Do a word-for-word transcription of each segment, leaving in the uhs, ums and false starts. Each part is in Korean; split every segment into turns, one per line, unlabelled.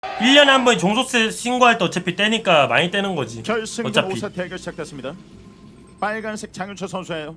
일 년에 한 번 종소세 신고할 때 어차피 떼니까 많이 떼는 거지.
결승전
어차피
오 사 대결 시작됐습니다. 빨간색 장윤철 선수예요.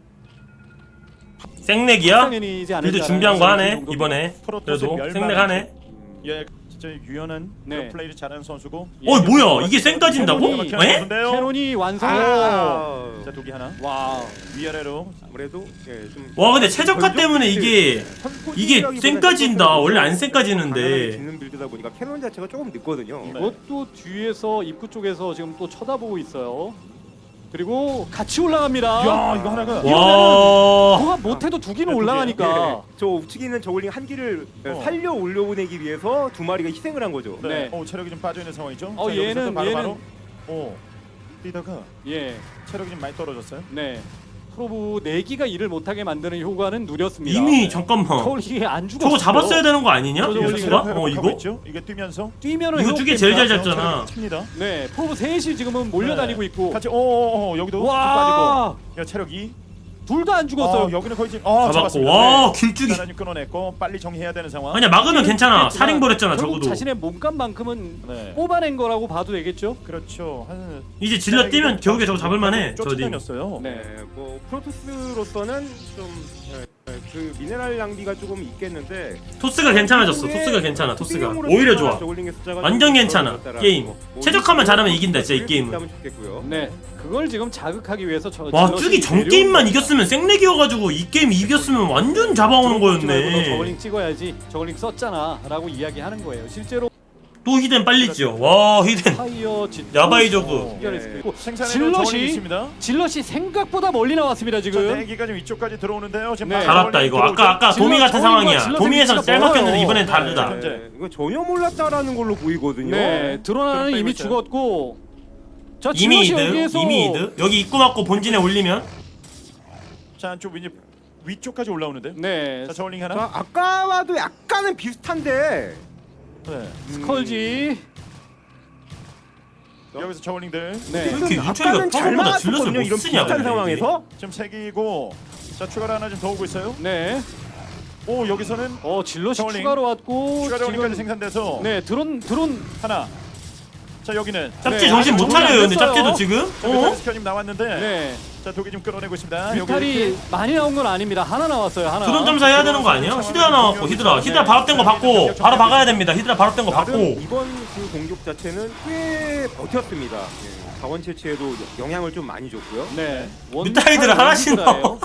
생내기야?
상현이지 않을까라는
그래도 준비한 거 하네
정도.
이번에.
프로토스
그래도
멸망.
생내하네.
예, 진짜 유연한
네.
그런 플레이를 잘하는 선수고.
어 뭐야 이게 생 따진다고?
캐논이-
에?
캐논이 완성.
아. 자, 독이 하나.
와.
위아래로.
아무래도 예, 좀
와 근데 최적화 때문에 이게 이게 쌩까진다. 원래 안 쌩까지는데.
짓는 빌드다 보니까 캐논 자체가 조금 늦거든요.
네.
이것도 뒤에서 입구 쪽에서 지금 또 쳐다보고 있어요. 그리고 같이 올라갑니다.
야, 이거 하나가.
와.
뭐가 못해도 두 기는
네, 두
올라가니까.
예, 저 우측에 있는 저글링 한 기를
어.
살려 올려보내기 위해서 두 마리가 희생을 한 거죠.
네.
네.
오, 체력이 좀 빠져 있는 상황이죠.
어,
자, 여기서도
얘는-
바로
얘는-
바로. 오. 뛰다가
예.
체력이 좀 많이 떨어졌어요.
네. 프로브 네 기가 일을 못하게 만드는 효과는 누렸습니다.
이미 잠깐만.
저울링이 안 죽었어.
저거 잡았어야 되는 거 아니냐?
저거
이거
올리는
수가?
체력
어
회복하고
이거?
있죠? 이게 뛰면서
뛰면은
이거 두개 제일 잘
회복됩니다.
잡잖아.
칩니다.
네. 프로브 셋이 지금은 몰려다니고
네.
있고.
같이 오오오 여기도 좀
와.
빠지고. 야, 체력 이.
둘 다 안 죽었어요.
어, 여기는 거의 지금 어,
잡았고.
잡았습니다.
와,
네.
길쭉이.
하나님 끊어냈고 빨리 정리해야 되는 상황.
아니야 막으면 괜찮아.
그렇지만
살인벌했잖아
결국
적어도.
자신의 몸값만큼은
네.
뽑아낸 거라고 봐도 되겠죠.
그렇죠. 한
이제 질러 뛰면 겨우게 저거 잡을만해. 저디.
쫓아다녔어요.
네.
네, 뭐 프로토스로서는 좀 그 미네랄 낭비가 조금 있겠는데
토스가 괜찮아졌어. 토스가 괜찮아. 토스가 오히려 좋아. 완전 괜찮아, 게임. 최적화만 잘하면 이긴다, 진짜 이 게임은.
좋겠고요.
네. 그걸 지금 자극하기 위해서 저
와
질럿이
쭈기 전
내려온
게임만
거예요.
이겼으면 생내기여가지고 이 게임 이겼으면 완전 잡아오는
너
거였네.
저글링 찍어야지. 저글링 썼잖아라고 이야기하는 거예요. 실제로
또 히덴 빨리 지어. 와 히덴.
파이어 지
야바이 저그.
해결했을 거고.
생산에도 저울링이
질럿이
있습니다.
질럿이 생각보다 멀리 나왔습니다
자,
지금.
대기가 좀 이쪽까지 들어오는데요. 지금
네.
바로
달았다
저울링이
이거.
들어오죠.
아까 아까 도미 같은
질럿
상황이야.
질럿의
도미에서
위치가
짤 막혔는데
멀어요.
이번엔
네.
다르다.
현재.
네, 이거 전혀 몰랐다라는 걸로 보이거든요.
네. 드러나는
그럼
이미
빼고 있어요.
죽었고. 자,
이미
질럿이
이득.
여기에서
이미 이득. 여기 입구 맞고 본진에 올리면
자, 안쪽 위 위쪽까지 올라오는데요.
네.
자, 저울링 하나.
자, 아까와도 약간은 비슷한데
네.
스컬지.
여기서 저울링들
네.
왜 이렇게
아까는
윤철이가
잘
평소보다 질럿을
막았거든요.
못
이런
쓰냐
비슷한
근데
상황에서.
지금 색이고. 자, 추가로 하나 좀 더 오고 있어요.
네.
오, 여기서는
어, 질럿이
저울링.
추가로 왔고
추가 저울링까지
지금
생산돼서
네, 드론 드론
하나. 자, 여기는
짭지
네,
정신
아직
못
정리 안
차려요 근데
됐어요.
짭지도 지금? 어?
스켜님 나왔는데.
네.
자, 독이 좀 끌어내고 있습니다.
뮤탈이 많이 나온 건 아닙니다. 하나 나왔어요. 하나.
드론 점사 해야 되는 거 아니야? 히드라 나왔고 히드라 히드라 발업된 거 받고 바로 박아야 됩니다. 히드라 발업된 거
나름
받고.
이번 그 공격 자체는 꽤 버텼습니다. 예, 자원 채취에도 영향을 좀 많이 줬고요.
네.
뮤탈이들 하나씩 넣어.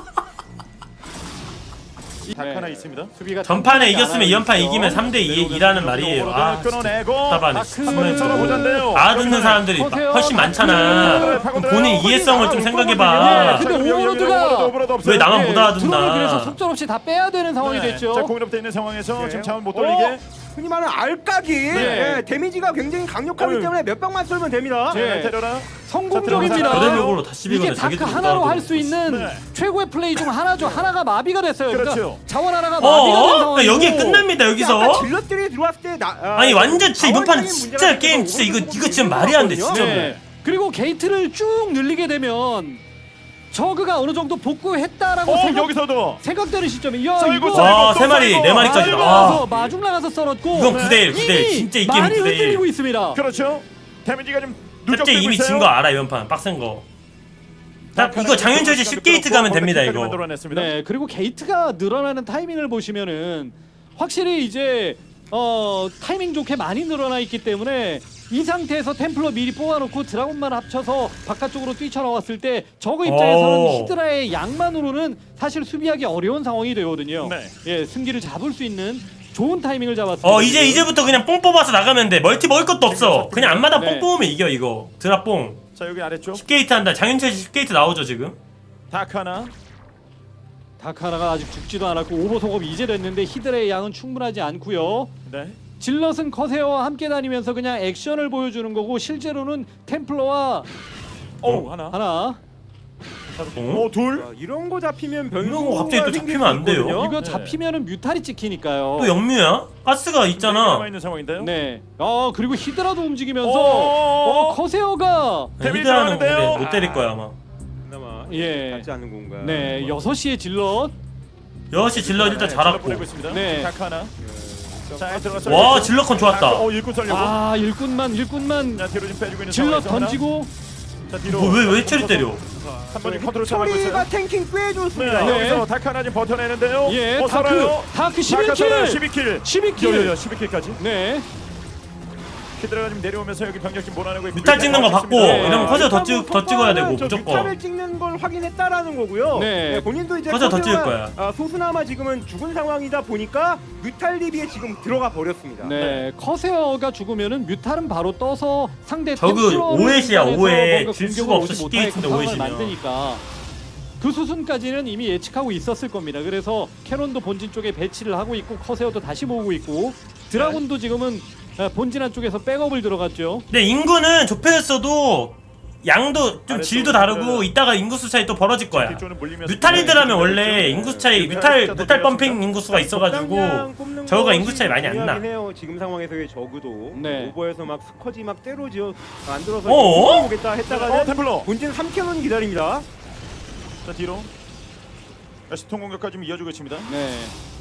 닭
네.
하나 있습니다.
수비가
전판에
탐나지
이겼으면
않아요,
이 연판
있죠.
이기면 삼 대 이라는 말이에요. 아
끊어내고
답답하네.
다크.
한번 쳐다보자인데요.
알아듣는 사람들이
보세요.
훨씬 많잖아. 그럼 본인 이해성을 좀 생각해봐.
네, 근데 오버로드가
왜 나만
네,
못
드론을 그래서
알아듣나?
속절없이 다 빼야 되는 상황이 됐죠.
자, 공인업돼 있는 상황에서
네.
지금 자원 못
어?
돌리게.
흔히 말하는 알까기
네.
예, 데미지가 굉장히 강력하기
어휴.
때문에 몇 방만 쏠면 됩니다.
네.
네, 때려라.
성공적입니다.
그대로로 다시
이게
비거네.
다크
자기도
하나로
못하고.
할 수 있는
네.
최고의 플레이 중 하나죠. 하나가 마비가 됐어요. 그러니까
그렇죠.
자원 하나가 마비가 된
어?
상황이고.
여기에 끝납니다
아까
여기서.
질럿들이 들어왔을 때 나, 아,
아니 완전 진짜 이번 판
자원적인
진짜
문제가
게임
생겨서
진짜 이거
오버로드
이거 지금 말이 안 돼 진짜.
네. 그리고 게이트를 쭉 늘리게 되면 저그가 어느 정도 복구했다라고
어,
생각,
여기서도.
생각되는 시점에 야
썰고
이거
썰고
와,
또
세 마리,
썰고.
네 마리까지.
마중
아.
나가서 마중 나가서 썰었고
이건 구 대 일, 구 대 일.
이미
진짜 이 게임
많이
구 대 일.
흔들리고 있습니다.
그렇죠. 데미지가 좀
짭지
누적되고
이미
있어요.
진 거 알아 이번 판 빡센 거. 딱 이거 장윤철 씨 십 게이트 가면 됩니다 이거.
만들어냈습니다.
네, 그리고 게이트가 늘어나는 타이밍을 보시면은 확실히 이제 어 타이밍 좋게 많이 늘어나 있기 때문에 이 상태에서 템플러 미리 뽑아놓고 드라곤만 합쳐서 바깥쪽으로 뛰쳐나왔을 때 저그 입장에서는
오.
히드라의 양만으로는 사실 수비하기 어려운 상황이 되거든요.
네.
예, 승기를 잡을 수 있는 좋은 타이밍을 잡았습니다.
어 이제 이제부터 그냥 뽕 뽑아서 나가면 돼. 멀티 먹을 것도 없어. 그냥 앞마다
네.
뽕 뽑으면 이겨 이거. 드랍뽕.
자, 여기 아래쪽
십 게이트 한다. 장윤철 씨 십 게이트 나오죠 지금.
다크 하나.
다카나가 아직 죽지도 않았고 오버 소급 이제 됐는데 히드라의 양은 충분하지 않고요.
네.
질럿은 커세어와 함께 다니면서 그냥 액션을 보여주는 거고 실제로는 템플러와
오, 하나.
하나
오, 둘.
자, 이런 거 잡히면
이런
변수가
거 갑자기 또
생길
잡히면
수
안 돼요.
있거든요.
이거
네.
잡히면은 뮤탈이 찍히니까요.
또 영뮤야? 가스가
남아
있잖아.
있는 상황인데요.
네. 어 그리고 히드라도 움직이면서
오.
어 커세어가
데미지
히드라는
들어가는데요?
근데 못 때릴 거야 아마.
그나마
예.
닿지 않는 공간.
네 여섯 시에 질럿
여시 질러 일단
네,
잘았고.
보내고 있습니다.
네.
다크 하나. 자, 들어갔어요.
와 질러컨 좋았다.
어, 일꾼 썰려고.
아 일꾼만 일꾼만
자, 뒤로 좀 빼주고 있는
질러
상황에서
던지고
자, 뒤로.
뭐, 왜, 왜 처리 때려?
한 번에 컨트롤 잡고 있어요.
처리가 탱킹 꽤
네,
좋습니다.
네.
여기서 다크 하나 지금 버텨내는데요.
예
어,
다크
살아요.
다크 십일
다크 살아요.
킬
십이 킬.
십이 킬
요요요 십이 킬까지.
네
키드라가 지금 내려오면서 여기 병력 지금 몰아내고 있고.
뮤탈 찍는 거 받고
네.
이러면 커져 더, 찍, 더 찍어야 되고
저
무조건.
뮤탈을 찍는 걸 확인했다라는 거고요.
네.
네, 본인도 이제
커져 더
커세어가,
찍을 거야.
아, 소수나마 지금은 죽은 상황이다 보니까 뮤탈 리비에 지금 들어가 버렸습니다.
네, 커세어가 죽으면은 뮤탈은 바로 떠서 상대
저그
템플러를
오햇이야,
일단해서
오해.
뭔가
질
공격을
수가 없어,
오지
쉽게
못하게
있는데
상황을
오해시면.
만드니까 그 수순까지는 이미 예측하고 있었을 겁니다. 그래서 캐논도 본진 쪽에 배치를 하고 있고 커세어도 다시 모으고 있고 드라군도 지금은 본진 한쪽에서 백업을 들어갔죠.
근데 인구는 좁혀졌어도 양도 좀
아래쪽으로
질도 다르고
들어가요.
이따가 인구수 차이 또 벌어질 거야.
뒤쪽으는 물리면서
뮤탈리드라면
네,
원래
네.
인구수 차이
뮤탈
뮤탈
숫자도
뮤탈
내려갑니다.
펌핑 인구수가 있어가지고
적당량 뽑는
저거가
것이
인구 차이 많이 안 나.
중요하긴 해요. 지금 상황에서의 저그도
네.
오버에서 막 스커지 막 때로지어 만들어서
어어?
보겠다
어,
했다가는
템플러.
본진 삼 킬로는 기다립니다.
자, 뒤로. 다시 통공격까지 좀 이어주고 있습니다.
네,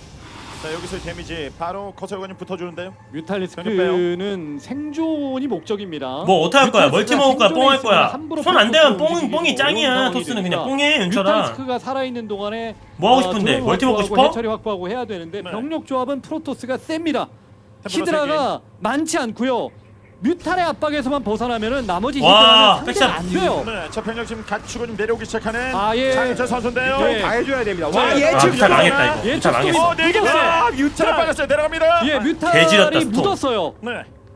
자, 여기서 데미지 바로 커세어가 좀 붙어주는데요.
뮤탈리스크는 생존이 목적입니다.
뭐 어떻게 할 거야? 멀티 먹을 거야? 뽕 할 거야?
함부로
손 안 대면
움직이기도
뽕 뽕이
어려운
짱이야.
상황이
토스는
되니까.
그냥 뽕해 윤철아.
뮤탈리스크가 살아있는 동안에
뭐 하고
어,
싶은데?
드론
멀티 먹고
확보하고
싶어?
해처리 확보하고 해야 되는데
네.
병력 조합은 프로토스가 셉니다.
템플러
히드라가 많지 않고요. 뮤탈의 압박에서만 벗어나면은 나머지
와,
히드라는 상대가 안
백샷.
돼요.
네, 자, 병력 지금 갖추고 좀 내려오기 시작하는
아, 예.
장윤철 선수인데요.
네.
다 해줘야 됩니다.
자,
와
아,
예측
뮤탈 망했다, 이거.
예,
뮤탈 망했어.
어, 네 개.
묻었어요.
아, 뮤탈 빠졌어요. 내려갑니다.
예,
개지렸다,
뮤탈이
스톰.
묻었어요.
네.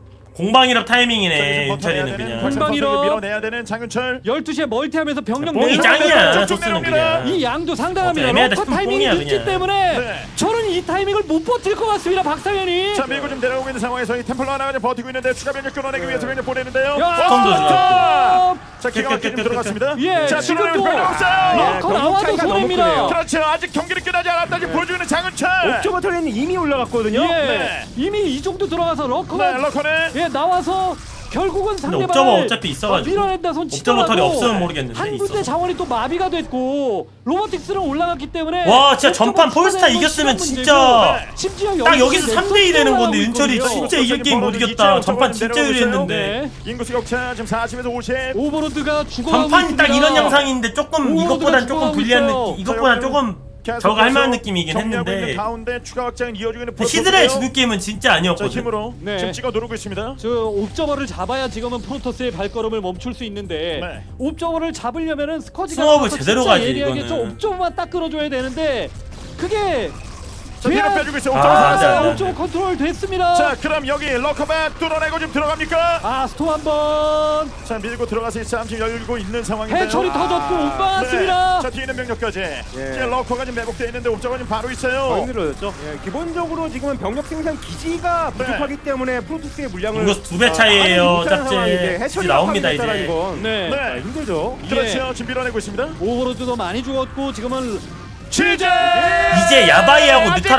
공방이랍
자,
타이밍이네
이제 버텨내야
윤철이는
되는
그냥.
박찬
공방이로.
선수에게 밀어내야 되는 장윤철.
열두 시에 멀티하면서 병력
뽕이
내려오면서
짱이야.
쭉
토스는
내려옵니다.
그냥.
이 양도 상당합니다.
어, 애매하다
러커
싶으면
타이밍이
뽕이야,
늦기
그냥.
때문에
네.
저는 이 타이밍을 못 버틸 것 같습니다. 박상현이.
자, 밀고 좀 내려오고 있는 상황에서 이 템플러 하나가 좀 버티고 있는데 추가 병력 끌어내기 위해서 병력 보내는데요.
야,
스톰도
어,
좋았고.
자, 기가 막히게 좀
끝, 끝, 끝,
들어갔습니다.
예,
자,
지금도
들어오는 병력 없어요.
네,
러커
병력
나와도
차이가 너무
손해입니다.
크네요.
그렇죠. 아직 경기를 끝나지 않았다지 보여주는 장윤철.
옥저버 터렛은 이미 올라갔거든요.
예,
네.
이미 이 정도 들어가서 러커가
네, 러커는
예 나와서 결국은
근데
상대방을
옵저버 어차피 있어가지고.
밀어낸다 손
옵저버 털이
치더라도
없으면 모르겠는데
한 군데
있어서.
자원이 또 마비가 됐고 로보틱스는 올라갔기 때문에
와, 진짜
옵저버
전판 폴스타
추가되는 건
이겼으면
시간
진짜
문제고, 심지어
딱
여기서
여기서
넥서스
삼 대 이 되는 건데
올라가고
윤철이
있거든요.
진짜 이길 게임 못 이겼다. 전판 진짜 유리했는데.
네.
인구수 격차 지금 사십에서 오십.
오버로드가 죽어가고
전판이 딱
있습니다.
이런 양상인데 조금
오버로드가
이것보단 조금
죽어가고
불리한
있어요.
느낌. 이것보단 조금 저거 할 만한 느낌이긴
정리하고 있는
했는데.
가운데 추가 확장은 이어지고 있는
히드라의
프로토스고요.
죽을 게임은 진짜
자,
아니었거든.
힘으로
네.
지금 찍어 누르고 있습니다.
저 옵저버를 잡아야 지금은 프로토스의 발걸음을 멈출 수 있는데
네.
옵저버를 잡으려면은 스커지가
스왑을
나와서
제대로
진짜
가지,
예리하게
이거는.
저 옵저버만 딱 끌어줘야 되는데 그게
자, 뒤로
돼야-
빼주고 있어요.
아,
옥점
안 돼, 안 돼, 안 돼.
옵저버 컨트롤 됐습니다.
자, 그럼 여기 러커바 뚫어내고 지금 들어갑니까?
아 스톰 한번
자, 밀고 들어가서 이 싸움 지금 열리고 있는 상황인데요.
해철이
아,
터졌고 못 막았습니다.
네. 자, 뒤에 있는 병력까지. 지금 러커가 지금 매복되어 있는데 옥점은 지금 바로
더
있어요.
힘들어졌죠. 예, 기본적으로 지금은 병력 생산 기지가
네.
부족하기 때문에 프로토스의 물량을
인구수 두 배
아,
차이예요,
하나도 못하는
짭제.
상황인데
이제
해처리
나옵니다,
합하겠다라는
이제.
건
네.
네.
아, 힘들죠.
그렇죠. 지금 밀어내고 있습니다.
오버로드도 많이 죽었고 지금은
취재!
이제 야바이하고 뮤탈